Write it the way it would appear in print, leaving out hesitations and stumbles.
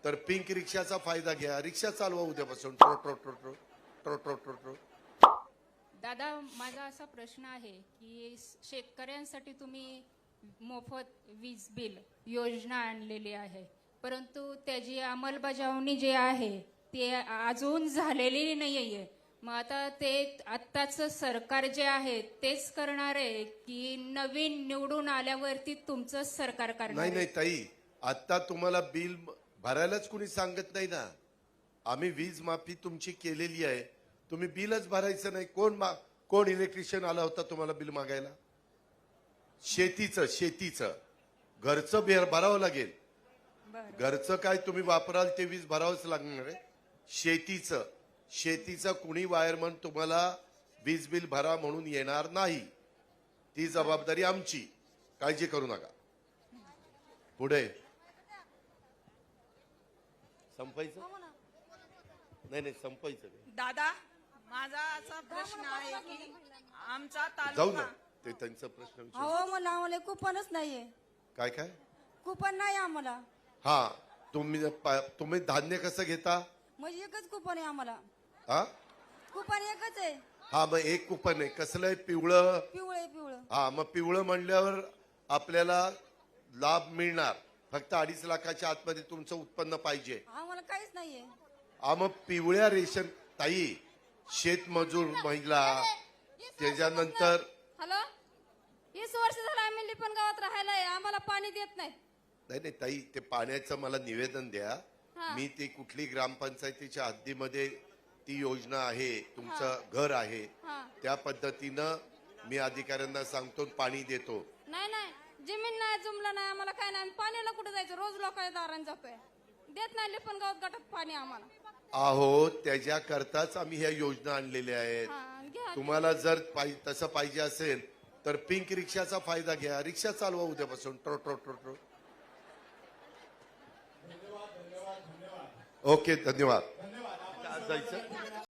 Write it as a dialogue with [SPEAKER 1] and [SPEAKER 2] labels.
[SPEAKER 1] तर पिंक रिक्षाचा फायदा घ्या, रिक्षा चालवा उद्यापासून. ट्रो ट्रो ट्रो ट्रो ट्रो ट्रो ट्रो ट्रो.
[SPEAKER 2] दादा, माझा असा प्रश्न आहे की शेतकऱ्यांसाठी तुम्ही मोफत वीज बिल योजना आणलेली आहे, परंतु त्याची अंमलबजावणी जी आहे ते अजून झालेली नाही आहे. मग आता ते आत्ताच सरकार जे आहे तेच करणार आहे की नवीन निवडून आल्यावरती तुमचं सरकार करणार
[SPEAKER 1] नाही
[SPEAKER 2] आहे?
[SPEAKER 1] नाही ताई, आता तुम्हाला बिल भरायलाच कुणी सांगत नाही ना. आम्ही वीज माफी तुमची केलेली आहे, तुम्ही बिलच भरायचं नाही. कोण इलेक्ट्रिशियन आला होता तुम्हाला बिल मागायला? शेतीचं घरचं बिल भरावं लागेल.
[SPEAKER 2] बरं.
[SPEAKER 1] घरचं काय तुम्ही वापराल ते वीज भरावंच लागणार आहे. शेतीचं कुणी वायरमन तुम्हाला वीज बिल भरा म्हणून येणार नाही. ती जबाबदारी आमची, काळजी करू नका. पुढे संपायचं नाही संपायचं नाही.
[SPEAKER 3] दादा, माझा असा प्रश्न आहे की आमचा
[SPEAKER 1] जाऊ ना,
[SPEAKER 3] तालुका
[SPEAKER 1] ते त्यांचा प्रश्न विचार.
[SPEAKER 4] हो, मला आम्हाला कुपनच नाहीये.
[SPEAKER 1] काय
[SPEAKER 4] कुपन नाही आम्हाला.
[SPEAKER 1] हा, तुम्ही धान्य कसं घेता?
[SPEAKER 4] म्हणजे एकच कुपन आहे आम्हाला.
[SPEAKER 1] हा
[SPEAKER 4] कुपन एकच आहे.
[SPEAKER 1] हा, मग एक कुपन आहे. कसलं आहे? पिवळं.
[SPEAKER 4] पिवळं.
[SPEAKER 1] हा, मग पिवळं म्हणल्यावर आपल्याला लाभ मिळणार. फक्त 2.5 लाखाच्या आतमध्ये तुमचं उत्पन्न पाहिजे.
[SPEAKER 4] आम्हाला काहीच नाहीये.
[SPEAKER 1] मग पिवळ्या रेशन ताई, शेतमजूर महिला, त्याच्यानंतर
[SPEAKER 5] हॅलो, 20 वर्ष झालं आम्ही लिपण गावात राहायला आहे, आम्हाला पाणी देत नाही.
[SPEAKER 1] नाही ताई, ते पाण्याचं मला निवेदन द्या.
[SPEAKER 5] हा.
[SPEAKER 1] मी ते कुठली ग्रामपंचायतीच्या हद्दीमध्ये ती योजना आहे, तुमचं घर आहे,
[SPEAKER 5] हा.
[SPEAKER 1] त्या पद्धतीनं मी अधिकाऱ्यांना सांगतो, पाणी देतो.
[SPEAKER 5] नाही, जमीन नाही, जुमला नाही, आम्हाला काय नाही. पाण्याला कुठे जायचं? रोज लोकांच्या दारात जातोय. देत नाही लिपण गावात गटात पाणी आम्हाला.
[SPEAKER 1] आहो, त्याच्याकरताच आम्ही ह्या योजना आणलेल्या आहेत.
[SPEAKER 5] हा, घ्या.
[SPEAKER 1] तुम्हाला जर तसं पाहिजे असेल तर पिंक रिक्षाचा फायदा घ्या, रिक्षा चालवा उद्यापासून. ट्रो ट्रो ट्रो ट्रो. ओके, धन्यवाद. जायचं.